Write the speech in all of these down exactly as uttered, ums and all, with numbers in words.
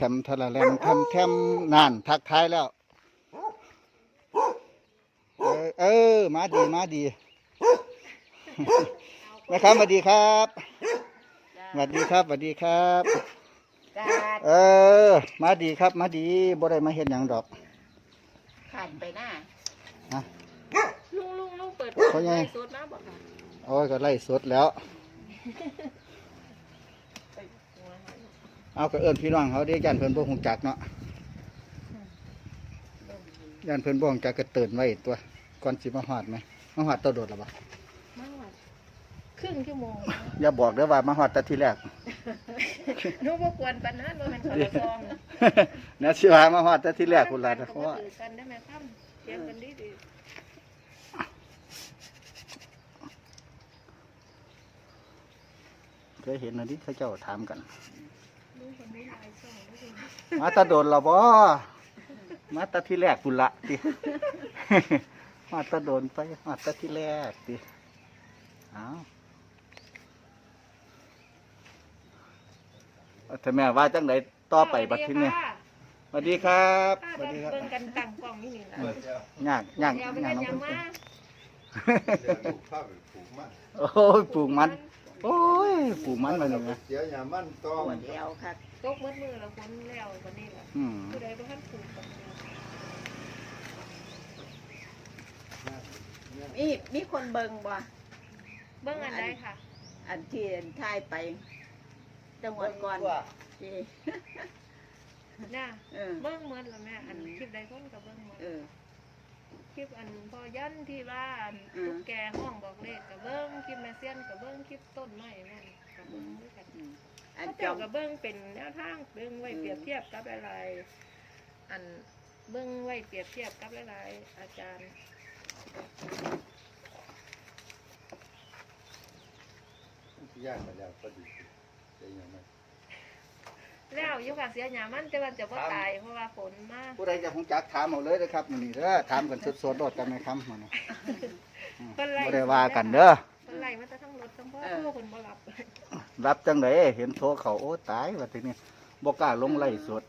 ทำทะละแลมทำแทมนานทักทายแล้วเออเออมาดีมาดีนะครับสวัสดีครับสวัสดีครับสวัสดีครับเออมาดีครับมาดีบ่ได้มาเห็นหยังดอกขันไปหน้าฮะลุงลุงลุงเปิดไล่สดนะบอกค่ะโอ้ยก็ไล่สดแล้วเอาก็เอิ้นพี่น้องเขาได้ยันเพิ่นบ่ฮู้จักเนาะยันเพิ่นบ่ฮู้จักก็เตือนไว้ตัวก่อนสิมาฮอดไหมมาฮอดตัวโดดหรอบ่มาฮอดครึ่งชั่วโมงอย่าบอกเด้อว่ามาฮอดแต่ทีแรกนู้บ่ควรปานนั้นบ่แม่นคนละซองเนี่ยสิว่ามาฮอดแต่ทีแรกพุ่นล่ะเพราะว่ากันได้ไหมครับเรียนกันดีๆเคยเห็นอันนี้เขาเจ้าถามกันมาตะโดนเราบ่มาตะที่แรกพุ่นละติมาตะโดนไปมาตะที่แรกติอ้าวถ้าแม่ว่าจังไดต่อไปบัดทีนี้สวัสดีครับสวัสดีครับเบิ่งกันตั้งกล้องนี่นี่ล่ะยากยากยากน้องเพิ่นโอ้ยปลูกมันโอ้ยปลูกมันมาหนึ่งนะเสียยามันต้องเดียวค่ะตกมืดมือแล้วฝนแล้ววันนี้แหละผู้ใดบ่ทันปลูกกับมีมีคนเบิ่งบ่เบิ่งอันใดค่ะอันที่ถ่ายไปจังหวัดก่อนที่น่ะเบิ่งหมดแล้วแม่อันคลิปใดคนก็เบิ่งหมดคลิปอันพอยันที่ว่าตุ๊กแกห้องบอกเลขกับเบิ้งคลิปแม่เซียนกับเบิ้งคลิปต้นไม้แม่กับเบิ้งด้วยกันอันเจ้ากับเบิ้งเป็นแนวทางเบิ้งไว้เปรียบเทียบกับอะไรอันเบิ้งไว้เปรียบเทียบกับอะไรอาจารย์ยากมาแล้วก็ดีเสียยามันแล้วอยู่ค่ะเสียหยามันแต่ว่าจะว่าตายเพราะว่าฝนมากผู้ใดจะคงจักถามเอาเลยนะครับนี่เด้อถามกันสดๆโดดกันไหมครับมันไม่ได้ว่ากันเด้อคนไล่มาทั้งรถทั้งพ่อพ่อคนบ่รับรับจังไดเห็นโทรเขาโอ้ตายว่าทีนี้บ่กล้าลงไล่สด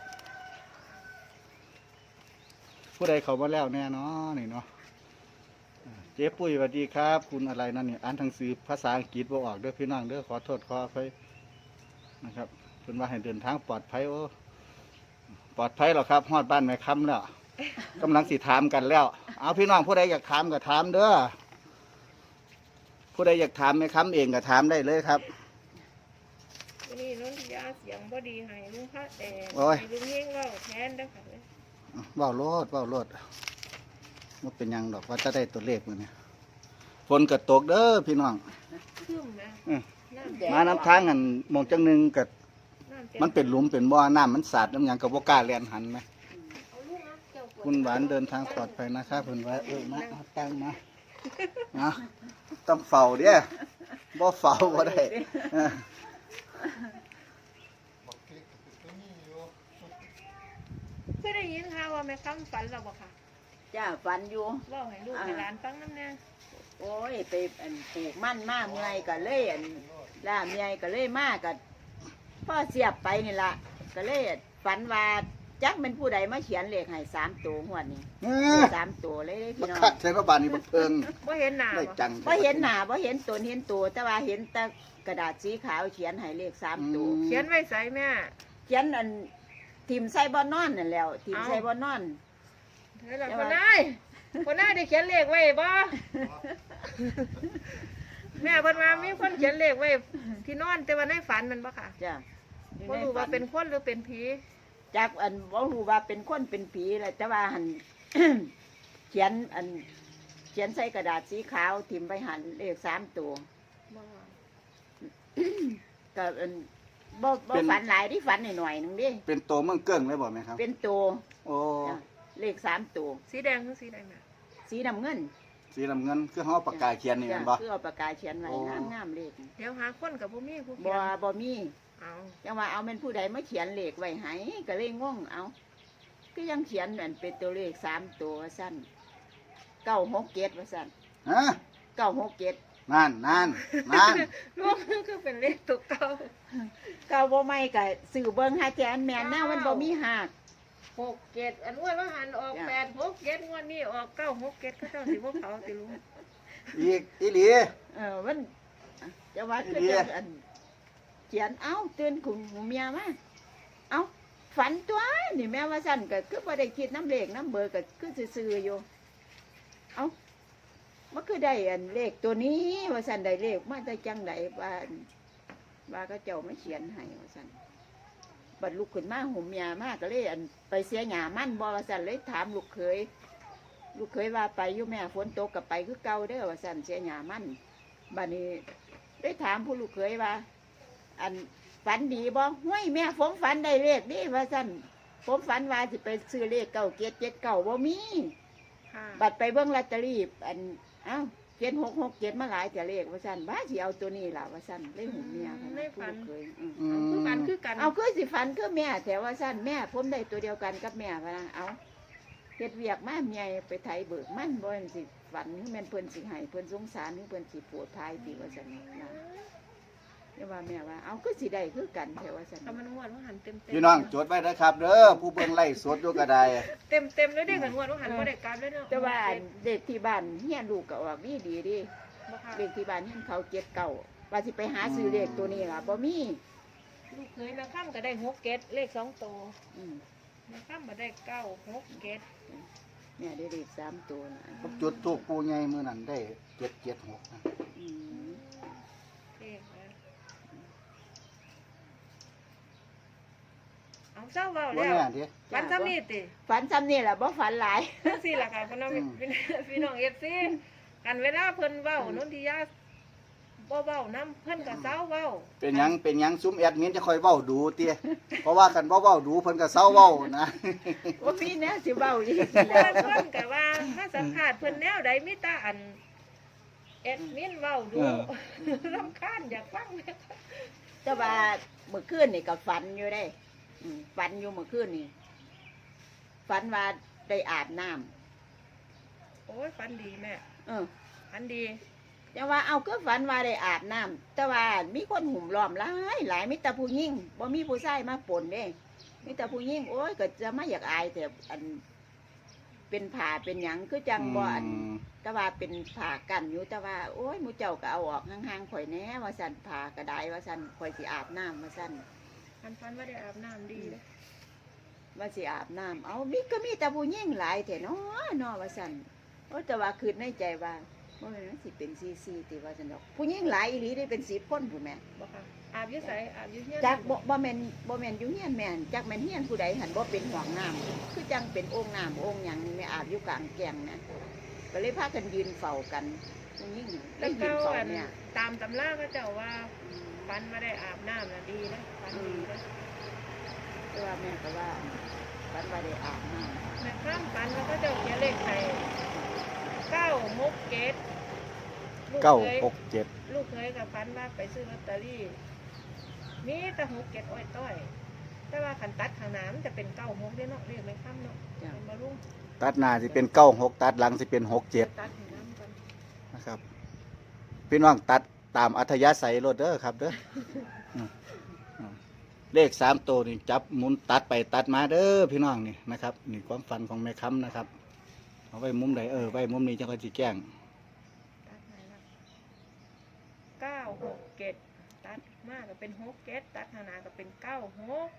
ผู้ใดเขามาแล้วแน่เนาะนี่เนาะเจ๊ปุ้ยสวัสดีครับคุณอะไรนั่นนี่อ่านหนังสือภาษาอังกฤษบ่ออกเด้อพี่น้องเด้อขอโทษขออภัยนะครับเป็นว่าให้เดินทางปลอดภัยโอ้ปลอดภัยหรอครับฮอดบ้านแม่คำแล้วกำลังสิถามกันแล้วเอาพี่น้องผู้ใดอยากถามก็ถามเด้อผู้ใดอยากถามแม่คำเองก็ถามได้เลยครับวันนี้น้องยาเสียงบ่ดีให้ลุงพระแต่ให้ลุงเฮงเล่าแทนได้ค่ะเว้าโลดเว้าโลดมันเป็นยังดอกว่าจะได้ตัวเลขมื้อนี้ฝนก็ตกเด้อพี่น้องขึ้นนะมาน้ำทางอันมองจังนึงก็มันเป็นหลุมเป็นบ่อน้ำมันสาดน้ำยังกับบ่กล้าเลียนหันไหมคุณหวานเดินทางปลอดภัยนะครับเพิ่นว่าเออมาตั้งมาเอาต้องเฝ้าเด้อบ่เฝ้าบ่ได้เคยได้ยินค่ะว่าแม่คำฝันเราบ่ค่ะจ้าฝันอยู่เล่าให้ลูกให้หลานฟังน้ำแน่โอ้ยไปอันปลูกมันมาเมื่อยก็เลยอันล่าเมื่อยก็เลยมาก็พ่อเสียบไปนี่ละก็เลยฝันว่าจักเป็นผู้ใดมาเขียนเลขให้สามตัวหัวนี้สามตัวเลยพี่น้องใช่พระบาทนี่บักเพิงบ่เห็นหน้าบ่เห็นหน้าบ่เห็นตนเห็นตัวแต่ว่าเห็นแต่กระดาษสีขาวเขียนให้เลขสามตัวเขียนไว้ใส่แม่เขียนอันทีมใส่บ่อนอนนั่นแล้วทีมใส่บ่อนอนแล้วคนนายคนนายได้เขียนเลขไว้บ่แม่เพิ่นว่ามีคนเขียนเลขไว้ที่นอนแต่ว่าในฝันมันบ่ค่ะจ้ะบ่รู้ว่าเป็นคนหรือเป็นผีจักอันบ่รู้ว่าเป็นคนเป็นผีแหละแต่ว่าหัน เขียนอันเขียนใส่กระดาษสีขาวทิ่มไปหันเลขสามตัวก็อันบ่บ่ฝันหลายที่ฝันหน่อยๆนึงดิเป็นตัวเมืองเกิ้งเลยบ่แม่ครับเป็นตัวโอ้เลขสามตัวสีแดงหรือสีแดงน่ะสีน้ำเงินสีน้ำเงินคือเฮาปากกาเขียนนี่แม่นบ่คือเอาปากกาเขียนไว้งามๆเลขเดี๋ยวหาคนกับบ่มีผู้เขียนบ่บ่มีเอาจังว่าเอาเป็นผู้ใดมาเขียนเลขไว้ให้ก็เลยงงเอาก็ยังเขียนเหมือนเป็นตัวเลขสามตัวสั้นเก้าหกเจ็ดว่าสั้นฮะเก้าหกเจ็ดนั่นนั่นนั่นรวมคือเป็นเลขตัวเก่าเก่าบ่ไม่ก็ซื้อเบิ่งหาแจอันแม่นหน้ามันบ่มีหักหกเจ็ดอันว่าว่าหันออกจ้ะแปดหกเจ็ดงวดนี้ออกเก้าหกเจ็ดก็เจ้าสิบ่เขาติลุงอีกอีหลีเออมันจะว่าคืออีเดียจังอันเขียนเอ้าตื่นขุนหูเมียมาเอ้าฝันตัวนี่แม่ว่าสั่นก็คือบ่ได้คิดน้ำเลขน้ำเบอร์ก็คือซื่อๆอยู่เอ้ามันคือได้อันเลขตัวนี้ว่าสั่นได้เลขมาแต่จังไดว่าอันว่าก็เจ้าไม่เขียนให้ว่าสั่นบัดลุกขึ้นมาหูเมียมาก็เลยอันไปเสียหยามั่นบ่ว่าสั่นเลยถามลูกเขยลูกเขยว่าไปอยู่แม่ฝนตกก็ไปคือเก่าเด้อว่าสั่นเสียหยามั่นบัดนี้ได้ถามผู้ลูกเขยว่า อันฝันดีบ่ห้วยแม่ผมฝันได้เลขนี่ว่าสั่นผมฝันว่าสิไปซื้อเลขเก้าเจ็ดเจ็ดเก้าบ่มีค่ะบัดไปเบิ่งลอตเตอรี่อันเอ้าเจ็ดหกหกเจ็ดมาหลายแต่เลขว่าสั่นบ้าสิเอาตัวนี้ล่ะว่าสั่นเลยหูเมียค่ะผู้ลูกเขยอืมอืเอาคือกันมคือกันเอาคือสิฝันคือแม่แต่ว่าสั่นแม่ผมได้ตัวเดียวกันกับแม่พะนะเอาเฮ็ดเวียกมาเมียไปไถเบิกมันบ่แม่นสิฝันคือแม่นเพิ่นสิให้เพิ่นสงสารคือเพิ่นสิโปรดภายติว่าสั่นนะเดี๋ยวว่าแม่ว่าเอาคือสิได้คือกันแต่ว่าสั่นถ้ามันงวดว่าหันเต็มเต็มพี่น้องจดไว้นะครับเด้อผู้เบิ่งไล่สดอยู่ก็ได้เต็มเต็มเลยเด้กันงวดว่าหันบ่ได้กลับเลยเนาะแต่ว่าอันเด็กที่บ้านเฮียนลูกก็ออกดีดีๆดิบ่ค่ะเด็กที่บ้านเฮียนเขาเจ็ดเก่าว่าสิไปหาซื้อเลขตัวนี้ล่ะบ่มีลูกเคยแม่ข้ามก็ได้หกเกตเลขสองตัวอืมแม่ข้ามมาได้เก้าหกเกตแม่ได้เลขสามตัวนะผมจุดทูปปูใหญ่มื้อนั้นได้เจ็ดเจ็ดหกนะอืมเลขนะเอาเจ้าเว้าบ่แล้วแน่เด้วันซ้ำนี่ติฝันซ้ำนี่ล่ะบ่ฝันหลายจังซี่ล่ะค่ะพี่น้องพี่น้องเอฟซีกันเวลาเพิ่นเว้านนทิยาบ่เว้านํเพิ่นก็เซาเว้าเป็นหยังเป็นหยังซุ้มแอดมินจะค่อยเว้าดูเตี้ยเพราะว่ากันบ่เว้าดูเพิ่นก็เซาเว้านะว่าพี่แน่สิเว้าอีกเพิ่นเพิ่นก็ว่าถ้าสัมภาษณ์เพิ่นแนวใดมีแต่อันเอ็ดมินเว้าดูเออรำคาญอยากฟังแม่แต่ว่าเมื่อคืนนี่ก็ฝันอยู่ได้อืมฝันอยู่เมื่อคืนนี่ฝันว่าได้อาบน้ำโอ้ยฝันดีแม่เออฝันดีแต่ว่าเอาก็ฝันว่าได้อาบน้ำแต่ว่ามีคนหุ่มล้อมหลายหลายมีแต่ผู้หญิงบ่มีผู้ชายมาปนเด้มีแต่ผู้หญิงโอ้ยก็จะไม่อยากอายแต่อัน เป็นผ้าเป็นหยังคือจังบ่อันมแต่ว่าเป็นผ้ากันอยู่แต่ว่าโอ้ยหมูเจ้าก็เอาออกห่างๆข่อยแหน่ว่าสั่นผ้ากระไดว่าสั่นข่อยสิอาบน้ำว่าสั่นฝันฝันว่าได้อาบน้ำดีเลยว่าสิอาบน้ำเอามีก็มีแต่ผู้หญิงหลายแท้เนาะเนาะว่าสั่นโอ้แต่ว่าคิดในใจว่าบ่แม่นมันสิเป็นซีๆติว่าซั่นดอกผู้หญิงหลายอีหลีได้เป็นสิบคนผู้แม่บ่ค่ะอาบอยุ่ใสอาบอยุ่เฮียนจักบ่บ่แม่นบ่แม่นอยู่เฮียนแม่นจักแม่นเฮียนผู้ใดหันบ่เป็นห้องน้ำคือจังเป็นโอ่งน้ำโอ่งหยังแม่อาบอยู่กลางแก่งนะก็เลยพากันยืนเฝ้ากันผู้หญิงเลแล้วยยืเขานเฝ้าอันเนี่ยตามตำราก็เจ้าว่าฝันมาได้อาบน้ำน่ะดีนะฝันดีนะแต่ว่าแม่ก็ว่าฝันว่าได้อาบน้แม่ข้ามฝันว่าเขาเจ้าเขียนเลขไทยเก้าหกเกตลูกเก้าเคยหกเจ็ดลูกเคยกับฝันว่าไปซื้อลอตเตอรี่มีแต่หกเกตอ้อยต้อย แต่ว่าขันตัดข้างหน้ามันจะเป็นเก้าหกเด้อเนาะเรียกไม่ข้ามเนาะำจ้ะเป็นมาลุงตัดหน้าสิเป็นเก้าหกตัดหลังสิเป็นหกเจ็ดตัดข้างหน้ากันนะครับพี่น้องตัดตามอัธยาศัยรถเด้อครับเด้ออืมอืมเลขสามตัวนี่จับหมุนตัดไปตัดมาเด้อพี่น้องนี่นะครับนี่ความฝันของแม่ค้ำนะครับเอาไว้มุมใดเออไว้มุมนี้จะค่อยสิแจ้งตัดไหนล่ะเก้าหกเกตตัดมากก็เป็นหกเกตตัดข้างหน้าก็เป็นเก้าหก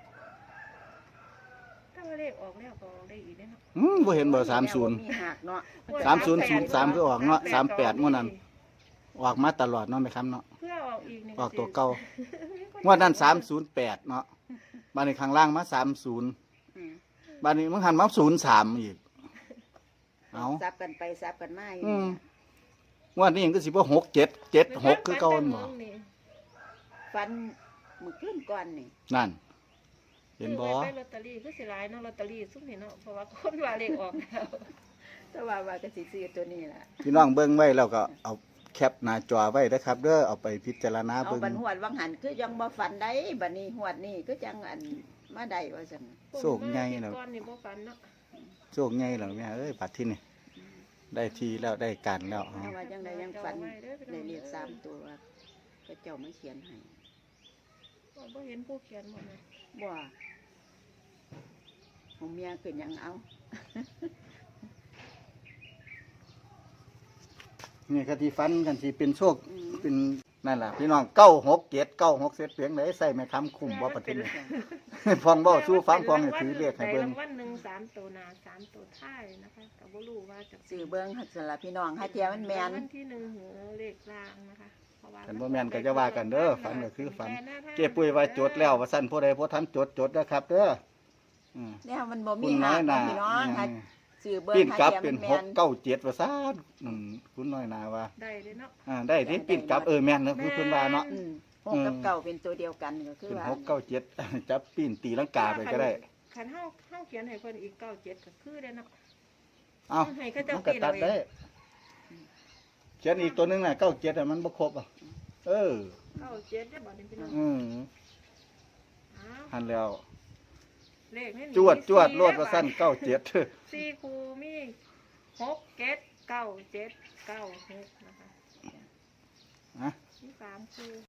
ถ้าว่าเลขออกแล้วก็ออกได้อีกเด้อเนาะอืมบ่เห็นบ่สามศูนย์มีหักเนาะสามศูนย์ศูนย์สามคือออกเนาะสามแปดงวดนั้น ออกมาตลอดเนาะแม่ค้ำเนาะเพื่อออกอีกนี่ออกตัวเก่า งวดนั้นสามศูนย์แปดเนาะบ้านนี้ข้างล่างมาสามศูนย์อืมบ้านนี้มันหันมาศูนย์สามอีกเอาซับกันไปซับกันมาอยู่อืมงวดนี้ยังก็สิบ่หกเจ็ดเจ็ดหกคือเก่าบ่ฟันมือขึ้นก่อนนี่นั่น เห็นบ่ซื้อไว้ไปลอตเตอรี่คือสิหลายเนาะลอตเตอรี่ซุ่มนี่เนาะเพราะว่าคนว่าเลขออกแล้วแต่ว่าว่าก็สิซื้อตัวนี้ล่ะพี่น้องเบิ่งไว้แล้วก็เอาแคปหน้าจอไว้นะครับเด้อเอาไปพิจารณาเอาเบิ่งบันหวดวังหันคือยังบ่ฝันได้บัดนี้หวดนี่คือจังอันมาได้ว่าซั่นโชคใหญ่แล้วก้อนนี่บ่ฝันเนาะโชคใหญ่แล้วแม่เอ้ยบัดที่นี่ได้ทีแล้วได้การแล้วเพราะว่าจังไดยังฝันได้เลขสามตัวว่าก็เจ้ามาเขียนให้บ่เห็นผู้เขียนหมดเลยบ่ของเมียขึ้นหยังเอานี่ก็ที่ฟันกันที่เป็นโชคอืมเป็นนั่นแหละพี่น้องเก้าหกเจ็ดเก้าหกเซตเพียงไหนใส่ไม่คำคุ้มบ่ปฏิเนี่ย ฟองบ่สู้ฟังฟองให้ถือเลขให้เบิ่งได้รางวัลหนึ่งสามตัวหน้าสามตัวท้ายนะคะก็บ่รู้ว่าจะสื่อเบิ่งหัดสละพี่น้องให้เทียมันแม่นรางวัลที่หนึ่งเหอเลขล่างนะคะเพราะว่าคันบ่แม่นก็จะว่ากันเด้อฝันก็คือฝัน เก็บปุ้ยว่าจดแล้วว่าซั่นผู้ใดบ่ทันจดจดนะครับเด้ออืมเนี่ยมันบ่คุมีณน้หาอยนาพี่น้องให้สื่อเบิ่งปิ้นให้กลับเทียเป็มัน นหแม่กนเก้าเจ็ดว่าซั่นอืมคุณน้อยนาว่าได้เลยเนาะอ่าได้ที่ปิ้นกลับเออแม่นเนอะคือเพิ่นว่าเนาะอืมหกกับเก่าเป็นตัวเดียวกันก็คือเป็นว่าหกเก้าเจ็ด จับปิ้นตีลังกาไปก็ได้คันเฮาเฮาเขียนให้เพิ่นอีกเก้าเจ็ดก็คือได้เนาะเอ้าให้เขาเจ้ามันก็ตัดได้ เขียนอีกตัวหนึงน่ะเก้าเจ็ดอ่ะมันบ่ครบอ่ะเออเก้าเจ็ดได้บ่นี่พี่น้องอืมอ้าวหันแล้วเลขนี่จวดจวดรวดว่าซั่นเก้าเจ็ดสี่คูมีหกเจ็ดเก้าเจ็ดเก้าหกนะคะอ่ะมีสามคู